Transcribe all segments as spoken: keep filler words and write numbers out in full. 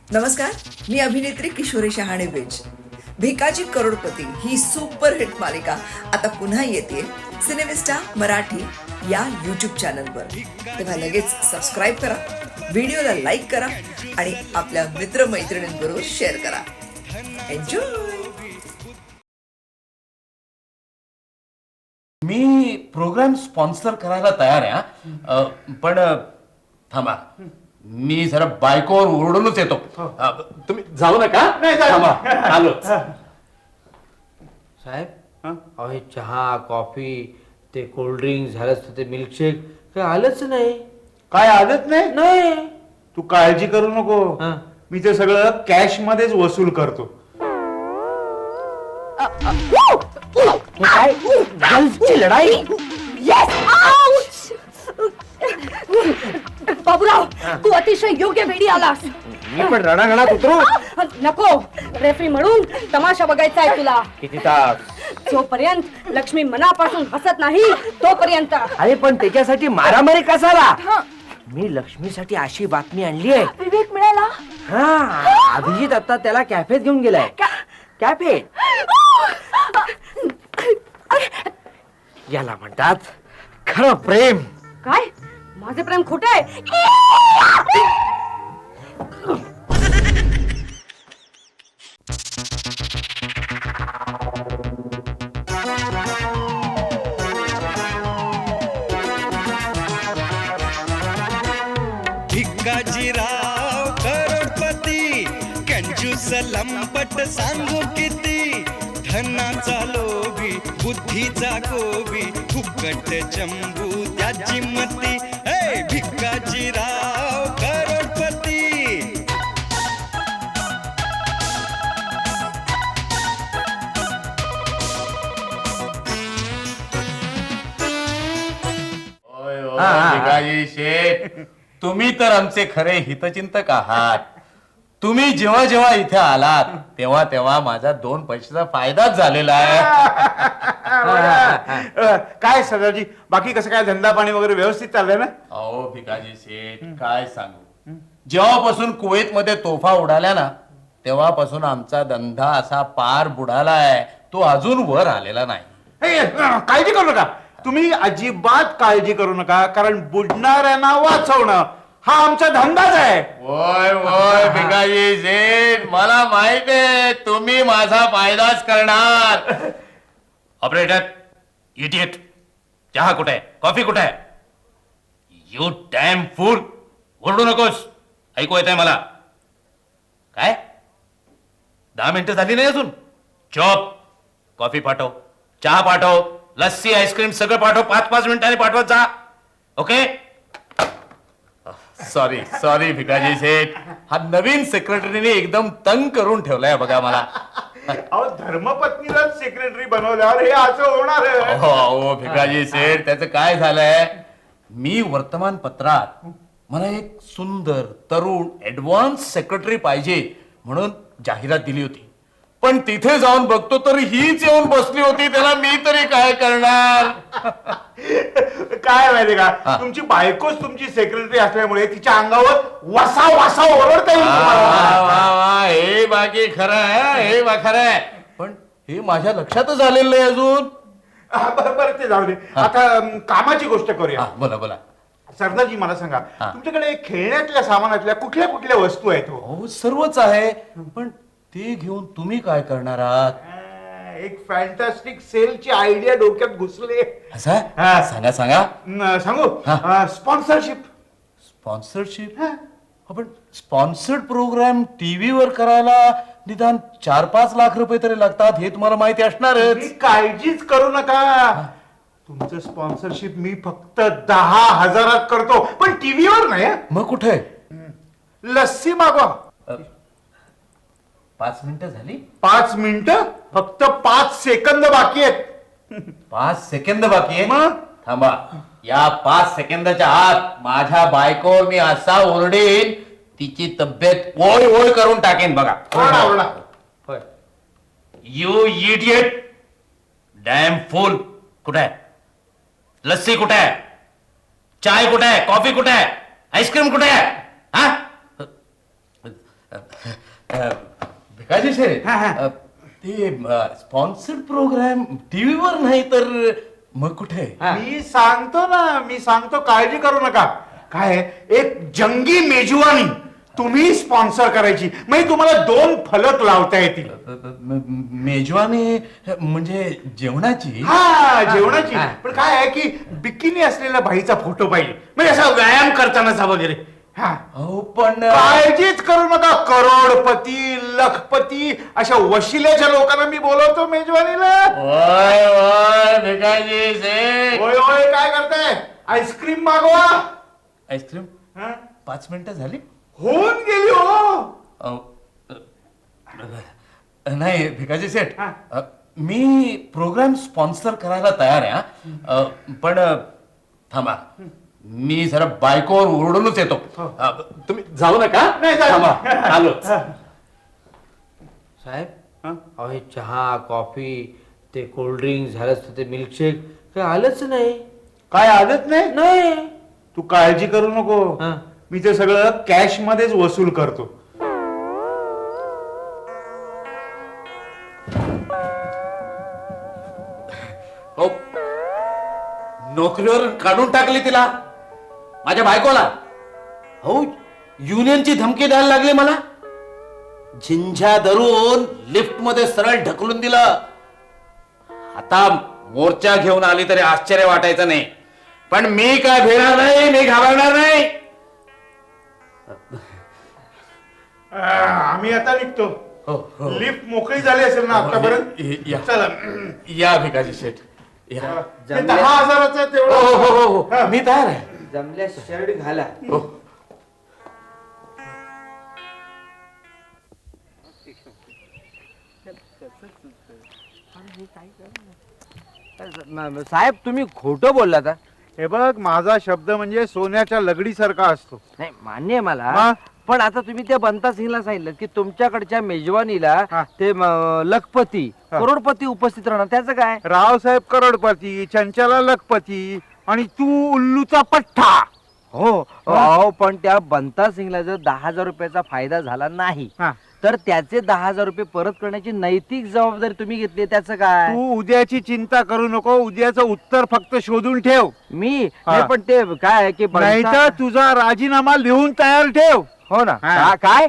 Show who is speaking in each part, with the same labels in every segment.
Speaker 1: नमस्कार, मी अभिनेत्री किशोरी शहाणे बेज. भिकाजी करोडपती ही सुपरहिट मालिका आता पुन्हा येते सिनेमिस्टा मराठी या यूट्यूब चॅनलवर. तेव्हा लगेच सबस्क्राईब करा, व्हिडिओला लाईक करा आणि आपल्या मित्रमैत्रिणींबरोबर शेअर करा. एन्जॉय.
Speaker 2: मी प्रोग्राम स्पॉन्सर करायला तयार आहे हा. पण थांबा, मी जरा बायकोवर ओरडूनच येतो. अ, तुम्ही जाऊ नका. थांबा, आलोच.
Speaker 3: साहेब, अहो हे चहा कॉफी ते कोल्ड्रिंक झालंच ते मिल्कशेक काही आलंच नाही.
Speaker 4: काय आदत नाही.
Speaker 3: नाही
Speaker 4: तू काळजी करू नको.
Speaker 3: हा.
Speaker 4: मी ते सगळं कॅश मध्येच वसूल करतो.
Speaker 3: हे काय गर्ल्सची लढाई.
Speaker 5: बाबूराव, तू अतिशय योग्य वेळी आलास.
Speaker 3: मी पण रणांगणात उतरू.
Speaker 5: नको, रेफरी म्हणून तमाशा बघायचा आहे तुला.
Speaker 3: किती तास.
Speaker 5: जोपर्यंत लक्ष्मी मनापासून हसत नाही तोपर्यंत.
Speaker 3: अरे पण त्याच्यासाठी मारामारी कसाला. मी लक्ष्मीसाठी अशी बातमी आणली आहे.
Speaker 5: विवेक मिळाला.
Speaker 3: हा, अभिजित आता त्याला कॅफेत घेऊन गेलाय. कॅफे याला म्हणतात खरं प्रेम.
Speaker 5: काय? माझे प्रेम खोटे आहे.
Speaker 6: भिकाजीराव करोडपती कंजूस लंपट सांगू किती. धनाचा लोभी बुद्धीचा गोबी फुकट चंबू त्याची मती. हे भिकाजीराव करोडपती.
Speaker 2: होय, होय, भिकाजी शेठ, तुम्ही तर आमचे खरे हितचिंतक आहात. तुम्ही जेव्हा जेव्हा इथे आलात तेव्हा तेव्हा माझा दोन पैशाचा फायदाच झालेला आहे.
Speaker 4: अ, काय सदाजी, बाकी कसं काय धंदा पाणी वगैरे व्यवस्थित चाललंय ना?
Speaker 2: अहो भिकाजी शेठ, काय सांगू, जेव्हापासून कुवेत मध्ये तोफा उडाल्या ना तेव्हापासून आमचा धंदा असा पार बुडालाय, तो अजून वर आलेला नाही.
Speaker 4: हे, अ, काळजी करू नका. तुम्ही अजिबात काळजी करू नका, कारण बुडणाऱ्यांना वाचवणं हा आमचा धंदाच आहे.
Speaker 2: होय होय भिकाजी शेठ, मला माहित आहे तुम्ही माझा फायदाच करणार. ऑपरेटर, इडियट, चहा कुठे आहे, कॉफी कुठे आहे? You damn fool. ओरडू नकोस, ऐकू येत आहे मला. काय दहा मिनिटं झाली नाही अजून? चॉप, कॉफी पाठव, चहा पाठव, लस्सी आईस्क्रीम सगळं पाठव. पाच पाच मिनिटांनी पाठवत जा. Okay. Sorry sorry Bhikaji Sheth, हा नवीन सेक्रेटरीने एकदम तंग करून ठेवलाय बघा मला.
Speaker 4: अहो, धर्मपत्नीला सेक्रेटरी बनवल्यावर हे असं होणार.
Speaker 2: हो हो भिकाजी शेठ, त्याचं काय झालंय, मी वर्तमानपत्रात मला एक सुंदर तरुण ऍडव्हान्स सेक्रेटरी पाहिजे म्हणून जाहिरात दिली होती. पण तिथे जाऊन बघतो तर हीच येऊन बसली होती. त्याला मी तरी काय करणार.
Speaker 4: काय माहितीये
Speaker 2: हा.
Speaker 4: का, तुमची बायकोच तुमची सेक्रेटरी असल्यामुळे तिच्या अंगावर वसा वसा ओरडता येईल
Speaker 2: वा
Speaker 4: तुम्हाला.
Speaker 2: वा वा, हे बाकी खरं आहे, हे बा खरं आहे. पण हे माझ्या लक्षातच आलेलं नाही अजून.
Speaker 4: हा, बरं बरं, ते जाऊ दे. आता अम, कामाची गोष्ट करूया.
Speaker 2: हा, बोला बोला.
Speaker 4: सरदारजी, मला सांगा,
Speaker 2: हा.
Speaker 4: तुमच्याकडे खेळण्यातल्या सामानातल्या कुठल्या कुठल्या वस्तू आहेत हो?
Speaker 2: हो, सर्वच आहे, पण ते घेऊन तुम्ही काय करणार आहात?
Speaker 4: अं, एक फॅन्टॅस्टिक सेलची आयडिया डोक्यात घुसले.
Speaker 2: असं
Speaker 4: हा.
Speaker 2: सांगा सांगा.
Speaker 4: न, सांगू?
Speaker 2: हा.
Speaker 4: स्पॉन्सरशिप.
Speaker 2: स्पॉन्सरशिप. आपण स्पॉन्सर्ड प्रोग्राम टीव्हीवर करायला निदान चार पाच लाख रुपये तरी लागतात, हे तुम्हाला माहिती असणारच.
Speaker 4: काळजीच करू नका. तुमचं स्पॉन्सरशिप मी फक्त दहा हजारात करतो, पण टीव्हीवर नाही. हं?
Speaker 2: मग कुठे?
Speaker 4: लस्सी मागवा.
Speaker 2: पाच मिनिटं झाली.
Speaker 4: पाच मिनिटं, फक्त पाच सेकंद बाकी आहेत.
Speaker 2: पाच सेकंद बाकी आहे.
Speaker 4: मग?
Speaker 2: थांबा, या पाच सेकंदाच्या आत माझ्या बायकोवर मी असा ओरडेन तिची तब्येत ओय ओय करून टाकेन बघा.
Speaker 4: ओरडा, ओरडा.
Speaker 2: होय. You idiot, damn fool. कुठे आहे लस्सी, कुठे आहे चाय, कुठे आहे कॉफी, कुठे आहे आईस्क्रीम, कुठे आहे? हा भिकाजी शेठ
Speaker 4: हा, हा.
Speaker 2: अ, ते स्पॉन्सर्ड प्रोग्राम टीव्हीवर नाही तर मग कुठे?
Speaker 4: मी सांगतो ना मी सांगतो काळजी करू नका. काय आहे, एक जंगी मेजवानी तुम्ही स्पॉन्सर करायची म्हणजे तुम्हाला दोन फलक लावता येतील.
Speaker 2: म- म- मेजवानी म्हणजे जेवणाची?
Speaker 4: हा जेवणाची.
Speaker 3: हा.
Speaker 4: पण काय आहे की बिकिनी असलेल्या बाईचा फोटो पाहिजे म्हणजे असा व्यायाम करतानाचा वगैरे. हा
Speaker 2: हो पण
Speaker 4: काळजीच करू नका. करोडपती लखपती अशा वशिल्याच्या लोकांना मी बोलवतो मेजवानीला.
Speaker 2: ओय ओय भिकाजी शेठ
Speaker 4: होय होय काय करताय? आईस्क्रीम मागवा.
Speaker 2: आईस्क्रीम
Speaker 4: हा?
Speaker 2: पाच मिनिटं झाली?
Speaker 4: होऊन गेली हो.
Speaker 2: अ, अ, नाही भिकाजी शेठ
Speaker 4: हा.
Speaker 2: अ, मी प्रोग्राम स्पॉन्सर करायला तयार आहे हा. अ, पण अ, थांबा मी जरा बायकोवर ओरडूनच येतो. अ, तुम्ही जाऊ नका.
Speaker 4: नाही, जाऊ.
Speaker 2: थांबा आलोच.
Speaker 3: साहेब
Speaker 4: हा?
Speaker 3: अहो हे चहा कॉफी ते कोल्ड्रिंक झालंच तर ते मिल्कशेक काही आलंच नाही.
Speaker 4: काय आदत नाही.
Speaker 3: नाही
Speaker 4: तू काळजी करू नको.
Speaker 3: हा.
Speaker 4: मी ते सगळं कॅश मध्येच वसूल करतो.
Speaker 2: हो नोकरीवर काढून टाकली तिला माझ्या बायकोला. हो युनियनची धमकी द्यायला लागली मला. झिंझ्या धरून लिफ्ट मध्ये सरळ ढकलून दिलं. आता मोर्चा घेऊन आली तरी आश्चर्य वाटायचं नाही. पण मी काय भिणार नाही, मी घाबरणार नाही.
Speaker 4: आ, आम्ही आता निघतो.
Speaker 2: हो, हो.
Speaker 4: लिफ्ट मोकळी झाली असेल ना आतापर्यंत.
Speaker 2: य- या.
Speaker 4: चला.
Speaker 2: या भिकाजी शेठ या.
Speaker 4: ते दहा हजाराचं
Speaker 2: हो
Speaker 4: तेवढं.
Speaker 2: हो हो हो मी तयार आहे.
Speaker 3: जमल्या शर्ट घाला.
Speaker 2: हो.
Speaker 3: साहेब तुम्ही खोटं बोललात हा.
Speaker 4: हे बघ माझा शब्द म्हणजे सोन्याच्या लगडीसारखा असतो.
Speaker 3: नाही मान्य आहे मला
Speaker 4: मग?
Speaker 3: पण आता तुम्ही त्या बंता सिंगला सांगितलं की तुमच्याकडच्या मेजवानीला
Speaker 4: हा.
Speaker 3: ते म, लखपती
Speaker 4: हा.
Speaker 3: करोडपती उपस्थित राहणार त्याचं काय?
Speaker 4: रावसाहेब करोडपती चंचला लखपती आणि तू उल्लूचा पठ्ठा.
Speaker 3: हो अहो पण त्या बंता सिंगला जर दहा हजार रुपयाचा फायदा झाला नाही
Speaker 4: हा.
Speaker 3: तर त्याचे दहा हजार रुपये परत करण्याची नैतिक जबाबदारी तुम्ही घेतली त्याचं काय?
Speaker 4: तू उद्याची चिंता करू नको. उद्याचं उत्तर फक्त शोधून ठेव.
Speaker 3: मी
Speaker 4: हा.
Speaker 3: नाही, पण ते काय आहे की
Speaker 4: नाही
Speaker 3: बंता-
Speaker 4: तर तुझा राजीनामा लिहून तयार ठेव.
Speaker 3: हो ना
Speaker 4: हा.
Speaker 3: का- काय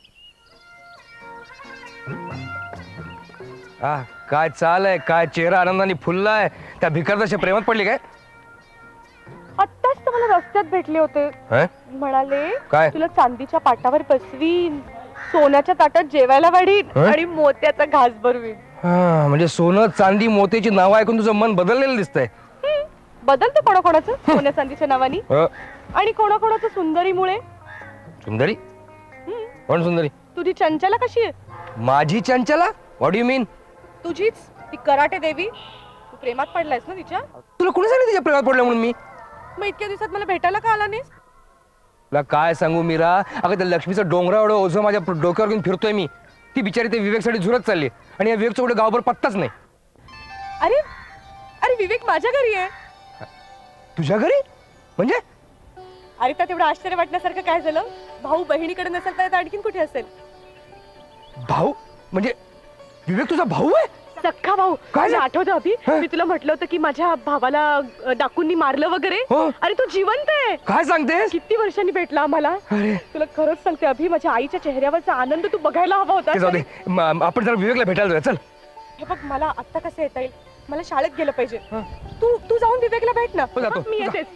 Speaker 7: आ, काय चाल आहे काय चेहरा आनंदाने फुलला आहे. त्या भिकारदाच्या प्रेमात पडली काय?
Speaker 5: आत्ताच तर मला रस्त्यात भेटले होते.
Speaker 7: हं?
Speaker 5: म्हणाले
Speaker 7: काय?
Speaker 5: तुला चांदीच्या पाटावर बसवीन, सोन्याच्या ताटात जेवायला वाढीन
Speaker 7: हं?
Speaker 5: आणि मोत्याचा घास भरवीन.
Speaker 7: हा, म्हणजे सोनं चांदी मोत्याची नावं ऐकून तुझं मन बदललेलं दिसतंय.
Speaker 5: हं, बदलते कोणाकोणाचं सोन्या चांदीच्या नावानी
Speaker 7: अ,
Speaker 5: आणि कोणाकोणाचं सुंदरीमुळे.
Speaker 7: सुंदरी
Speaker 5: हं,
Speaker 7: कोण सुंदरी?
Speaker 5: तुझी चंचला कशी आहे?
Speaker 7: माझी चंचला? What you mean?
Speaker 5: तुझीच ती कराटे देवी. तू प्रेमात पडलायस ना तिच्या?
Speaker 7: तुला कोणी सांगितलं तिच्या प्रेमात पडलं म्हणून? मी
Speaker 5: मग इतक्या दिवसात मला भेटायला का आला नाहीस?
Speaker 7: तुला काय सांगू मीरा, अगं त्या लक्ष्मीचं डोंगरा एवढं ओझं माझ्या डोक्यावर घेऊन फिरतोय मी. ती बिचारी ते विवेकसाठी झुरत चालली आणि या विवेकचा कुठे गावभर पत्ताच नाही.
Speaker 5: अरे अरे विवेक माझ्या घरी आहे.
Speaker 7: तुझ्या घरी? म्हणजे
Speaker 5: अरे त्यात एवढं आश्चर्य वाटण्यासारखं काय झालं? भाऊ बहिणीकडे नसेल तर आणखीन कुठे असेल?
Speaker 7: भाऊ? म्हणजे विवेक तुझा भाऊ आहे?
Speaker 5: सख्खा भाऊ.
Speaker 7: काय
Speaker 5: तुला
Speaker 7: झालं?
Speaker 5: आठवतं अभि?
Speaker 7: हं?
Speaker 5: मी तुला म्हटलं होतं की माझ्या भावाला अ, डाकूंनी मारलं वगैरे.
Speaker 7: हो.
Speaker 5: अरे तू जिवंत आहे.
Speaker 7: काय सांगतेस?
Speaker 5: किती वर्षांनी भेटला आम्हाला.
Speaker 7: अरे
Speaker 5: तुला खरंच सांगते अभि, माझ्या आईच्या चेहऱ्यावरचा आनंद तू बघायला हवा होता.
Speaker 7: ते जाऊ दे. म- आपण जरा विवेकला भेटायला जाऊया चल.
Speaker 5: हे बघ मला आता कसं येता येईल? मला शाळेत गेलं पाहिजे. तू तू जाऊन विवेकला भेट ना.
Speaker 7: हो, जातो.
Speaker 5: हं, मी
Speaker 7: जा.
Speaker 5: येतेच.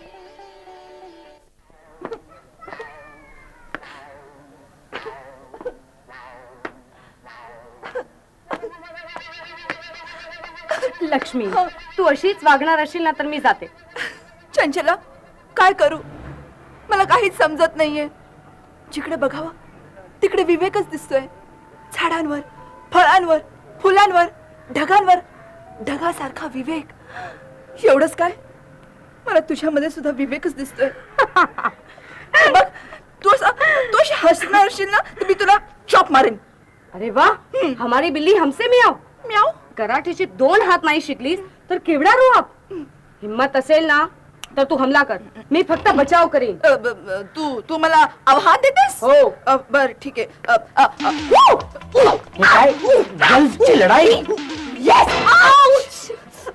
Speaker 8: लक्ष्मी तू अशीच वागणार असेल ना तर मी जाते.
Speaker 1: चंचला काय करू? मला काहीच समजत नाहीये. जिकडे बघावं तिकडे विवेकच दिसतोय. झाडांवर, फळांवर, फुलांवर, ढगांवर ढगासारखा विवेक. एवढंच काय, मला तुझ्यामध्ये सुद्धा विवेकच दिसतोय. हे बघ तू असं तू अशी हसणार असशील ना तर मी तुला चॉप मारेन.
Speaker 8: अरे वा, हमारी बिल्ली हमसे मियाव.
Speaker 1: म्याव.
Speaker 8: कराटेचे दोन हात नाही शिकलीस तर केवढा रो आप. हिम्मत असेल ना तर तू हमला कर मी फक्त बचाव करीन
Speaker 1: अ, ब- ब- तू तू मला आव्हान देतेस
Speaker 8: हो.
Speaker 1: अ, बर ठीक आहे अ, अ, अ, उ, उ,
Speaker 3: हे काय गल्फची लढाई
Speaker 8: Yes! Ouch!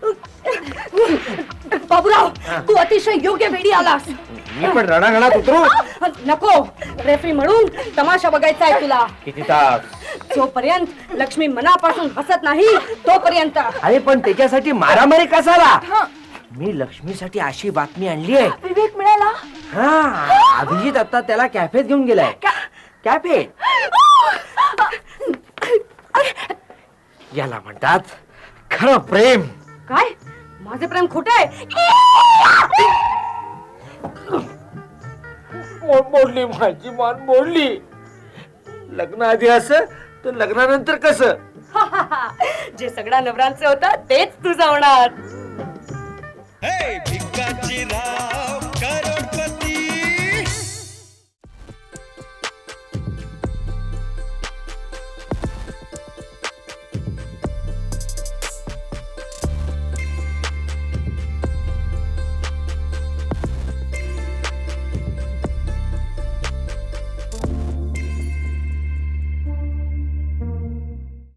Speaker 8: बाबूराव तू अतिशय योग्य वेळी आलास
Speaker 3: मी पण रणांगणात उतरू
Speaker 8: नको रेफरी म्हणून तमाशा बघायचा आहे तुला
Speaker 3: किती तास
Speaker 8: जोपर्यंत लक्ष्मी मनापासून हसत नाही तोपर्यंत
Speaker 3: अरे पण त्याच्यासाठी मारामारी कसाला मी लक्ष्मीसाठी अशी बातमी आणली आहे
Speaker 8: विवेक मिळाला
Speaker 3: हा अभिजित आता त्याला कॅफेत घेऊन गेलाय कॅफे याला म्हणतात खरं प्रेम
Speaker 8: काय माझे प्रेम खोटे आहे
Speaker 3: मो- मोडली माझी मान मोडली लग्न आधी असं तर लग्नानंतर कसं
Speaker 8: जे सगळ्या नवरांचं होतं तेच तुझं होणार
Speaker 6: हे भिकाची राव